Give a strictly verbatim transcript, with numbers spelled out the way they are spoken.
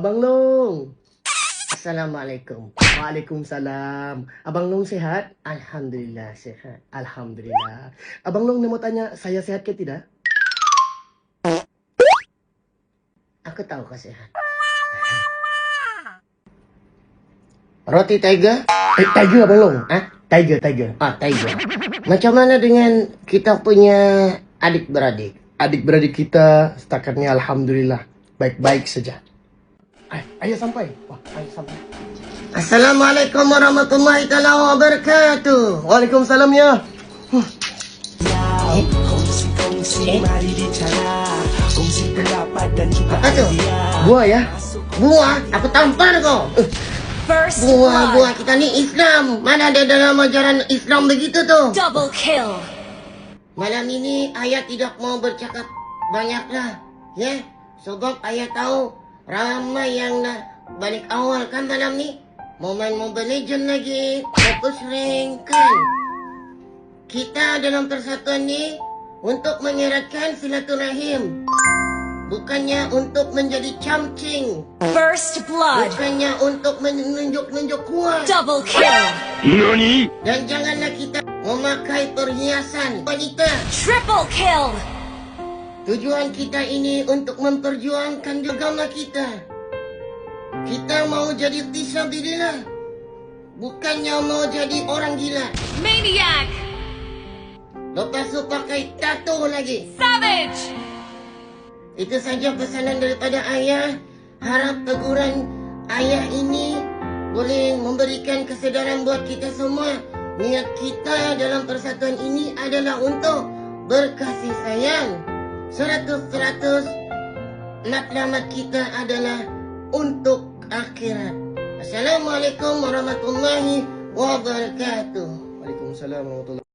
Abang Long. Assalamualaikum. Waalaikumsalam. Abang Long sehat? Alhamdulillah sehat. Alhamdulillah. Abang Long ni mau tanya, saya sehat ke tidak? Aku tahu kau sehat. Roti tiger? Eh, tiger Abang Long? Ah, tiger, tiger. Ah, tiger. Macam mana dengan kita punya adik-beradik? Adik-beradik kita setakat ni alhamdulillah baik-baik saja. Ay, ayah sampai. Wah, ayah sampai. Assalamualaikum warahmatullahi taala wabarakatuh. Waalaikumsalam ya. Huh. Eh? Apa tu? Buah ya? Buah? Aku tampar kau. Uh. Buah-buah kita ni Islam. Mana ada dalam ajaran Islam begitu tu? Double kill. Malam ini ayah tidak mau bercakap banyaklah, ya? Sebab ayah tahu ramai yang nak balik awal kan malam ni. Mau main Mobile Legends lagi, fokus rank kan. Kita dalam persatuan ni untuk mengeratkan silaturahim. Bukannya untuk menjadi camcing. First blood. Bukannya untuk menunjuk-nunjuk kuat. Double kill. Nani? Dan janganlah kita memakai perhiasan wanita. Triple kill. Tujuan kita ini untuk memperjuangkan agama kita. Kita mau jadi fisabilillah. Bukannya mau jadi orang gila. Maniac. Lepas tu pakai tato lagi. Savage. Itu saja pesanan daripada ayah. Harap teguran ayah ini boleh memberikan kesedaran buat kita semua. Niat kita dalam persatuan ini adalah untuk berkasih sayang. Seratus-seratus matlamat kita adalah untuk akhirat. Assalamualaikum warahmatullahi wabarakatuh. Waalaikumsalam warahmatullahi wabarakatuh.